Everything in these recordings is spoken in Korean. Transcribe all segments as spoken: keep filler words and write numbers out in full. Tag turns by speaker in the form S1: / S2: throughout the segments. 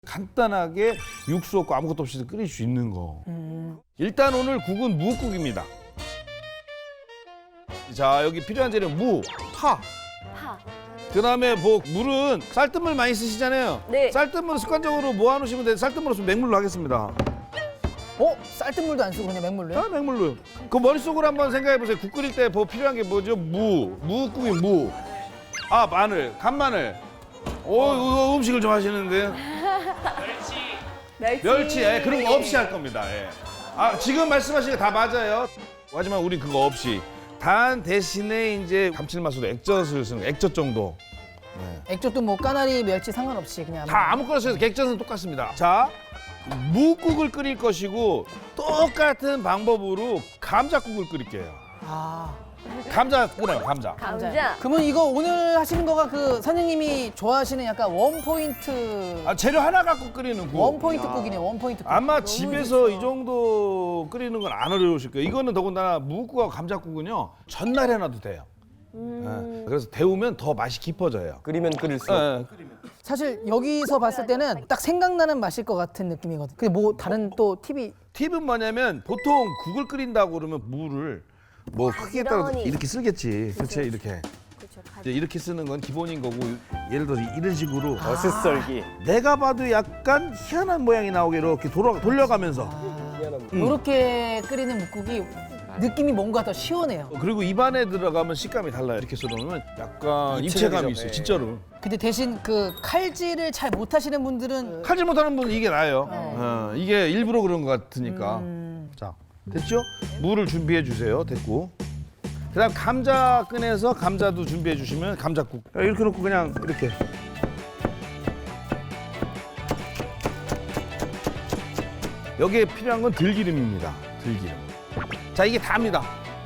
S1: 간단하게 육수 없고 아무것도 없이 끓일 수 있는 거.
S2: 음.
S1: 일단 오늘 국은 무국입니다. 자, 여기 필요한 재료 무, 파.
S2: 파.
S1: 그다음에 뭐 물은 쌀뜨물 많이 쓰시잖아요.
S2: 네.
S1: 쌀뜨물 습관적으로 모아놓으시면 돼요. 쌀뜨물 없으면 맹물로 하겠습니다.
S3: 어? 쌀뜨물도 안 쓰고 그냥 맹물로요?
S1: 아, 맹물로요. 그 머릿속으로 한번 생각해 보세요. 국 끓일 때 뭐 필요한 게 뭐죠? 무, 무국이 무. 아, 마늘, 간마늘. 오, 이거 음식을 좀 하시는데.
S2: 멸치.
S1: 멸치, 예, 그런 거 없이 할 겁니다. 예. 아, 지금 말씀하신 게 다 맞아요. 하지만 우리 그거 없이. 단 대신에 이제 감칠맛으로 액젓을 쓰는 거, 액젓 정도.
S3: 액젓도 뭐 까나리, 멸치 상관없이 그냥
S1: 다 아무거나 써도 액젓은 똑같습니다. 자, 무국을 끓일 것이고 똑같은 방법으로 감자국을 끓일게요.
S3: 아.
S1: 감자 끓여요, 감자.
S2: 감자.
S3: 그러면 이거 오늘 하시는 거가 그 선생님이 좋아하시는 약간 원포인트
S1: 아, 재료 하나 갖고 끓이는 국.
S3: 원포인트 국이네 원포인트 국.
S1: 아마 집에서 이 정도 끓이는 건 안 어려우실 거예요. 이거는 더군다나 무국하고 감자국은요, 전날 해놔도 돼요.
S2: 음.
S1: 예, 그래서 데우면 더 맛이 깊어져요.
S4: 끓이면 끓일수록
S1: 예,
S3: 사실 여기서 봤을 때는 딱 생각나는 맛일 것 같은 느낌이거든. 근데 뭐 다른 또 팁이
S1: 팁은 뭐냐면 보통 국을 끓인다고 그러면 무를 뭐 크기에 따라서
S2: 부지런히.
S1: 이렇게 쓰겠지. 그렇지, 이렇게.
S2: 그렇죠.
S1: 이제 이렇게 쓰는 건 기본인 거고, 예를 들어서 이런 식으로
S4: 어슷썰기.
S1: 내가 봐도 약간 희한한 모양이 나오게 이렇게 돌아, 돌려가면서.
S4: 희한한
S1: 음.
S3: 이렇게 끓이는 묵국이 느낌이 뭔가 더 시원해요.
S1: 그리고 입안에 들어가면 식감이 달라요. 이렇게 썰어놓으면 약간
S4: 입체적이죠.
S1: 입체감이 있어요.
S4: 네.
S1: 진짜로.
S3: 근데 대신 그 칼질을 잘 못하시는 분들은
S1: 칼질 못하는 분은 이게 나아요. 어, 이게 일부러 그런 것 같으니까. 자, 됐죠? 물을 준비해 주세요. 됐고. 그다음 감자 꺼내서 감자도 준비해 주시면 감자국. 이렇게 놓고 그냥 이렇게. 여기에 필요한 건 들기름입니다. 들기름. 자, 이게 다입니다.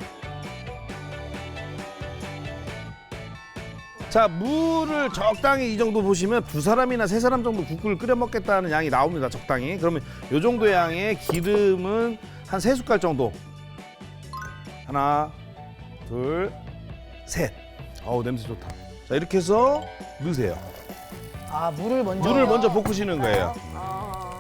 S1: 자, 물을 적당히 이 정도 보시면 두 사람이나 세 사람 정도 국을 끓여 먹겠다는 양이 나옵니다. 적당히. 그러면 이 정도 양의 기름은 한 세 숟갈 정도. 하나, 둘, 셋. 어우, 냄새 좋다. 자, 이렇게 해서 넣으세요.
S3: 아 물을 먼저
S1: 물을 먼저 볶으시는 거예요.
S2: 아.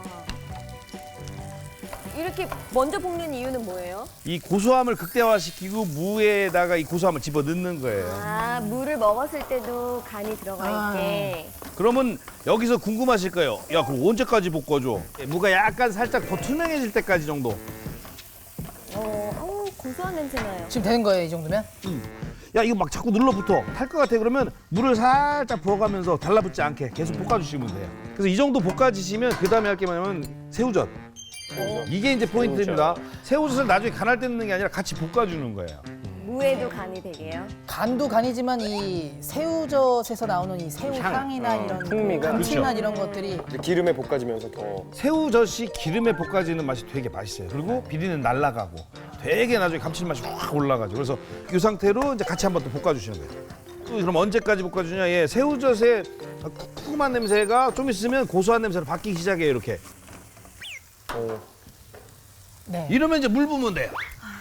S2: 이렇게 먼저 볶는 이유는 뭐예요?
S1: 이 고소함을 극대화시키고 무에다가 이 고소함을 집어 넣는 거예요.
S2: 아, 물을 먹었을 때도 간이 들어가
S3: 아.
S2: 있게.
S1: 그러면 여기서 궁금하실 거예요. 야, 그럼 언제까지 볶아줘? 무가 약간 살짝 더 투명해질 때까지 정도.
S2: 어, 어, 고소한 냄새 나요.
S3: 지금 되는 거예요 이 정도면?
S1: 야, 이거 막 자꾸 눌러붙어. 탈 것 같아. 그러면 물을 살짝 부어가면서 달라붙지 않게 계속 볶아주시면 돼요. 그래서 이 정도 볶아지시면 그 다음에 할 게 뭐냐면 새우젓. 이게 이제 포인트입니다. 새우젓을 나중에 간할 때 넣는 게 아니라 같이 볶아주는 거예요.
S2: 무에도 간이 되게요.
S3: 간도 간이지만 이 새우젓에서 나오는 이 새우 향이나
S4: 어,
S3: 이런
S4: 풍미가.
S3: 감칠맛
S1: 그렇죠.
S3: 이런 것들이
S4: 이제 기름에 볶아지면서 더
S1: 새우젓이 기름에 볶아지는 맛이 되게 맛있어요. 그리고 비린내 날아가고 되게 나중에 감칠맛이 확 올라가죠. 그래서 이 상태로 이제 같이 한번 또 볶아주시는 거예요. 또 그럼 언제까지 볶아주냐? 예, 새우젓의 쿰쿰한 냄새가 좀 있으면 고소한 냄새로 바뀌기 시작해요. 이렇게.
S4: 어,
S3: 네.
S1: 이러면 이제 물 부으면 돼요.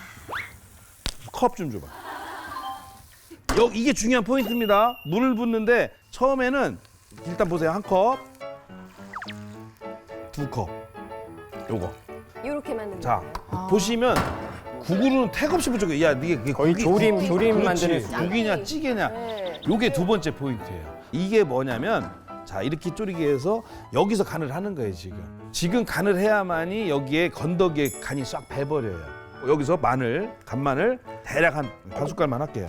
S1: 컵 좀 줘봐. 여, 이게 중요한 포인트입니다. 물을 붓는데 처음에는 일단 보세요. 한 컵, 두 컵, 요거.
S2: 이렇게만 넣는
S1: 자,
S2: 거예요.
S1: 보시면 국으로는 택없이 부족해. 야, 이게 그게
S4: 거의
S1: 국이-
S4: 조림,
S1: 국이-
S4: 조림
S1: 그렇지.
S4: 만드는 수준.
S1: 국이냐 찌개냐.
S2: 네.
S1: 요게 두 번째 포인트예요. 이게 뭐냐면 자, 이렇게 졸이게 해서 여기서 간을 하는 거예요, 지금. 지금 간을 해야만이 여기에 건더기에 간이 싹 배버려요. 여기서 마늘, 간마늘 대략 한 반 숟갈만 할게요.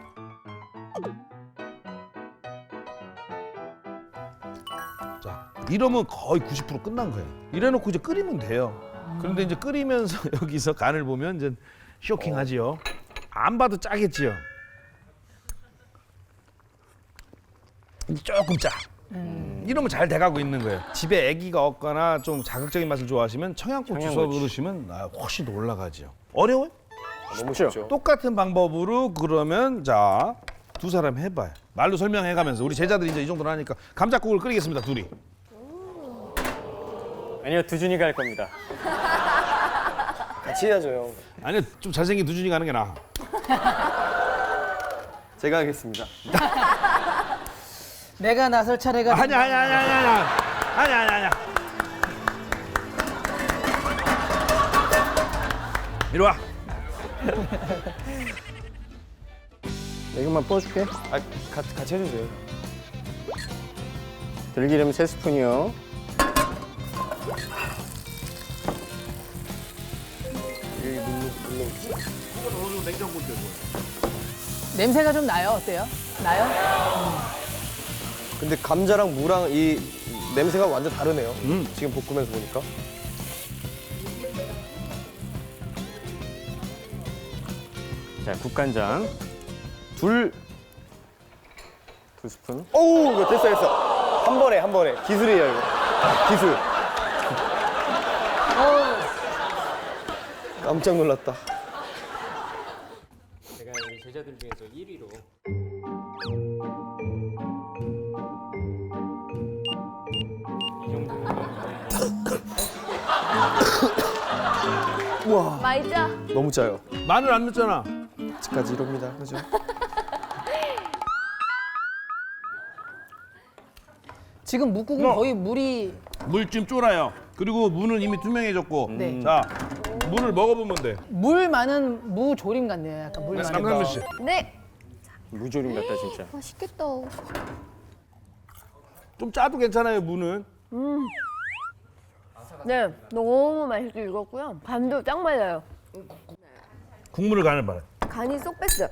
S1: 자, 이러면 거의 구십 퍼센트 끝난 거예요. 이래놓고 이제 끓이면 돼요. 그런데 이제 끓이면서 여기서 간을 보면 이제 쇼킹하지요. 안 봐도 짜겠지요. 조금 짜. 이러면 잘 돼가고 있는 거예요. 집에 아기가 없거나 좀 자극적인 맛을 좋아하시면 청양고추 써
S4: 청양고추.
S1: 그러시면 아, 훨씬 더 올라가죠. 어려워요?
S4: 너무 쉽죠.
S1: 똑같은 방법으로 그러면 자, 두 사람 해봐요. 말로 설명해가면서 우리 제자들이 이제 이 정도로 하니까 감자국을 끓이겠습니다, 둘이.
S4: 아니요, 두준이가 할 겁니다. 같이 해야죠, 형.
S1: 아니, 좀 잘생긴 두준이 가는 게 나아.
S4: 제가 하겠습니다.
S3: 내가 나설 차례가
S1: 아니야, 아니야, 아니야, 아니야. 아니야, 아니야, 아니야. 이리 와.
S4: 이것만 부어줄게. 아, 같이, 같이 해주세요. 들기름 세 스푼이요.
S3: 냄새가 좀 나요. 어때요? 나요?
S5: 근데 감자랑 무랑 이 냄새가 완전 다르네요.
S1: 음.
S5: 지금 볶으면서 보니까.
S4: 자, 국간장 둘, 두 스푼.
S5: 오우, 이거 됐어, 됐어. 한 번에, 한 번에. 기술이에요, 이거. 기술. 깜짝 놀랐다.
S4: 제가 우리 제자들 중에서 일 위로 이 정도.
S5: 우와,
S2: 말자.
S5: 너무 짜요.
S1: 마늘 안 넣었잖아.
S5: 아직까지 이럽니다. 그죠?
S3: 지금 묵국은
S1: 어.
S3: 거의 물이
S1: 물 좀 쫄아요. 그리고 무는 이미 투명해졌고.
S3: 네.
S1: 자, 무를 먹어보면 돼.
S3: 물 많은 무조림 같네요. 약간 물 많은.
S1: 남상민 씨.
S2: 네.
S4: 무조림 같다 진짜.
S2: 맛있겠다.
S1: 좀 짜도 괜찮아요, 무는.
S2: 네, 너무 맛있게 익었고요. 간도 짱 맞아요.
S1: 국물을 간을 봐요.
S2: 간이 쏙 뺐어요.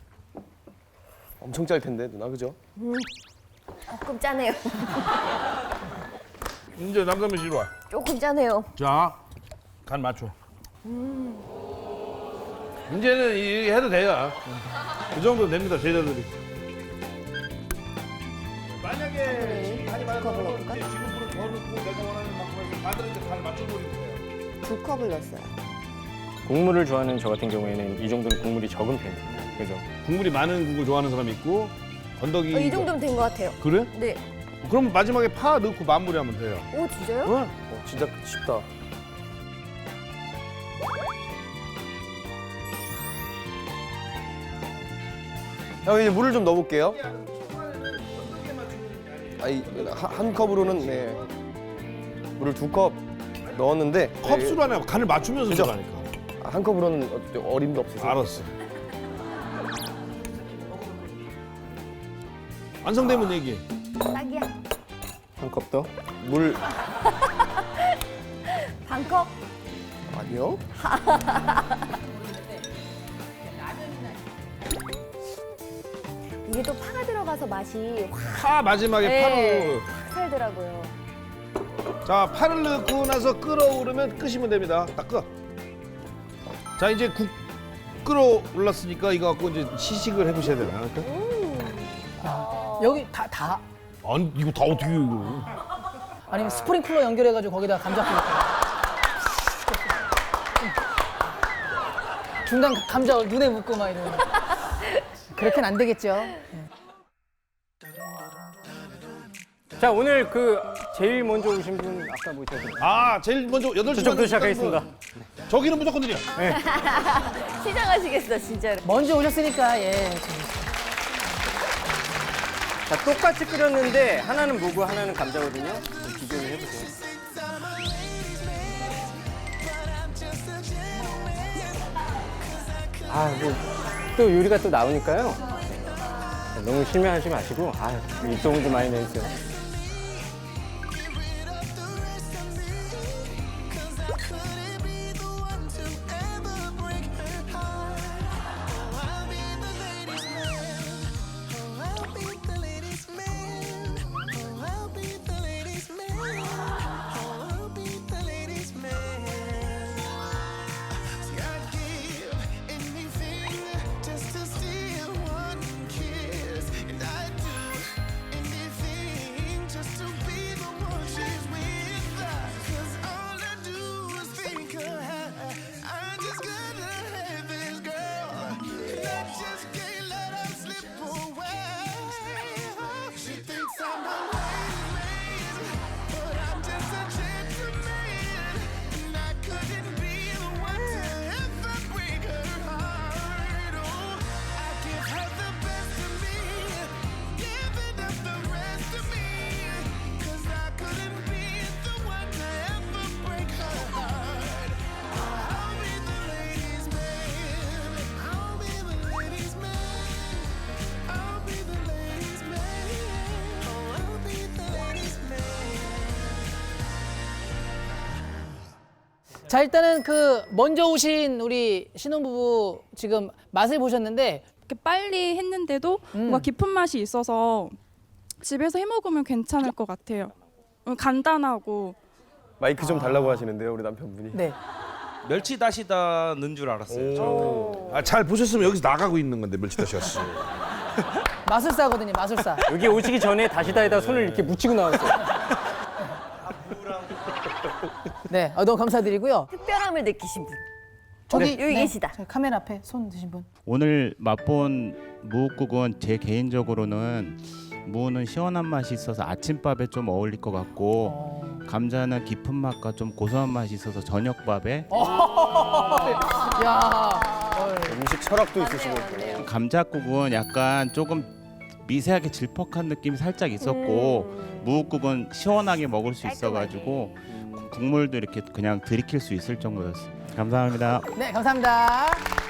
S5: 엄청 짤 텐데, 누나, 그죠?
S2: 조금 짜네요.
S1: 이제 남상민 씨 이리 와.
S2: 조금 짜네요.
S1: 자, 간 맞춰. 이제는 이 해도 돼요. 그 정도 됩니다, 제자들이. 만약에 간이 많아서
S2: 컵을 넣을까?
S1: 지금 물을 더 넣고 내가 원하는 만큼에서 반을 이제 간 맞춰버리면 돼요.
S2: 두 컵을 넣었어요.
S4: 국물을 좋아하는 저 같은 경우에는 이 정도는 국물이 적은 편이에요. 그죠?
S1: 국물이 많은 국을 좋아하는 사람이 있고 건더기.
S2: 어, 이 정도면 된 것 같아요.
S1: 그래?
S2: 네.
S1: 그럼 마지막에 파 넣고 마무리하면 돼요.
S2: 오, 진짜요?
S1: 응?
S5: 어, 진짜 쉽다. 형, 이제 물을 좀 넣어볼게요. 아이, 한, 한 컵으로는, 네. 물을 두 컵 넣었는데.
S1: 컵수로 하냐 간을 맞추면서
S5: 그죠?
S1: 들어가니까.
S5: 네, 한 컵으로는 어- 어림도 없어서.
S1: 알았어. 완성되면 얘기.
S2: 딱이야.
S4: 한 컵 더.
S5: 물,
S2: 반 컵.
S5: 아니요?
S2: 이게 또 파가 들어가서 맛이 확
S1: 파 마지막에
S2: 네.
S1: 파로.
S2: 살더라고요.
S1: 자, 파를 넣고 나서 끓어오르면 끄시면 됩니다. 딱 끄. 자, 이제 국 끓어올랐으니까 이거 갖고 이제 시식을 해보셔야 되나?
S3: 여기 다 다.
S1: 아니, 이거 다 어떻게 해요, 이거.
S3: 아니면 스프링클러 연결해가지고 거기다 감자 뿌려. 중간 감자 눈에 묻고 막 이러는. 그렇게는 안 되겠죠.
S4: 자, 오늘 그 제일 먼저 오신 분 아까 모셨던
S1: 아, 제일 먼저 여덟 시
S4: 저쪽부터 시작하겠습니다.
S1: 저기는 무조건 느려.
S2: 시작하시겠어, 진짜로.
S3: 먼저 오셨으니까 예.
S4: 자, 똑같이 끓였는데 하나는 무고 하나는 감자거든요. 좀 비교를 해보세요. 아, 뭐, 또 요리가 또 나오니까요. 자, 너무 실망하지 마시고, 아, 입소문 좀 많이 내주세요.
S6: Just to steal one kiss, and I do anything.
S3: 자 일단은 그 먼저 오신 우리 신혼부부 지금 맛을 보셨는데
S6: 이렇게 빨리 했는데도
S3: 음.
S6: 뭔가 깊은 맛이 있어서 집에서 해 먹으면 괜찮을 것 같아요. 음, 간단하고.
S5: 마이크 좀 달라고 하시는데요, 우리 남편분이.
S3: 네.
S7: 멸치 다시다 넣은 줄 알았어요. 저.
S1: 아, 잘 보셨으면 여기서 나가고 있는 건데 멸치다시였어.
S3: 마술사거든요, 마술사.
S4: 여기 오시기 전에 다시다에다 손을 이렇게 묻히고 나왔어요.
S3: 네, 어, 너무 감사드리고요.
S2: 특별함을 느끼신 분.
S3: 저기
S2: 여기 계시다.
S3: 저 카메라 앞에 손 드신 분.
S8: 오늘 맛본 무국은 제 개인적으로는 무는 시원한 맛이 있어서 아침밥에 좀 어울릴 것 같고 감자는 깊은 맛과 좀 고소한 맛이 있어서 저녁밥에
S3: 야,
S5: 음식 철학도 있으시고.
S8: 감자국은 약간 조금 미세하게 질퍽한 느낌이 살짝 있었고 무국은 시원하게 먹을 수 있어가지고 국물도 이렇게 그냥 들이킬 수 있을 정도였어요. 감사합니다.
S3: 네, 감사합니다.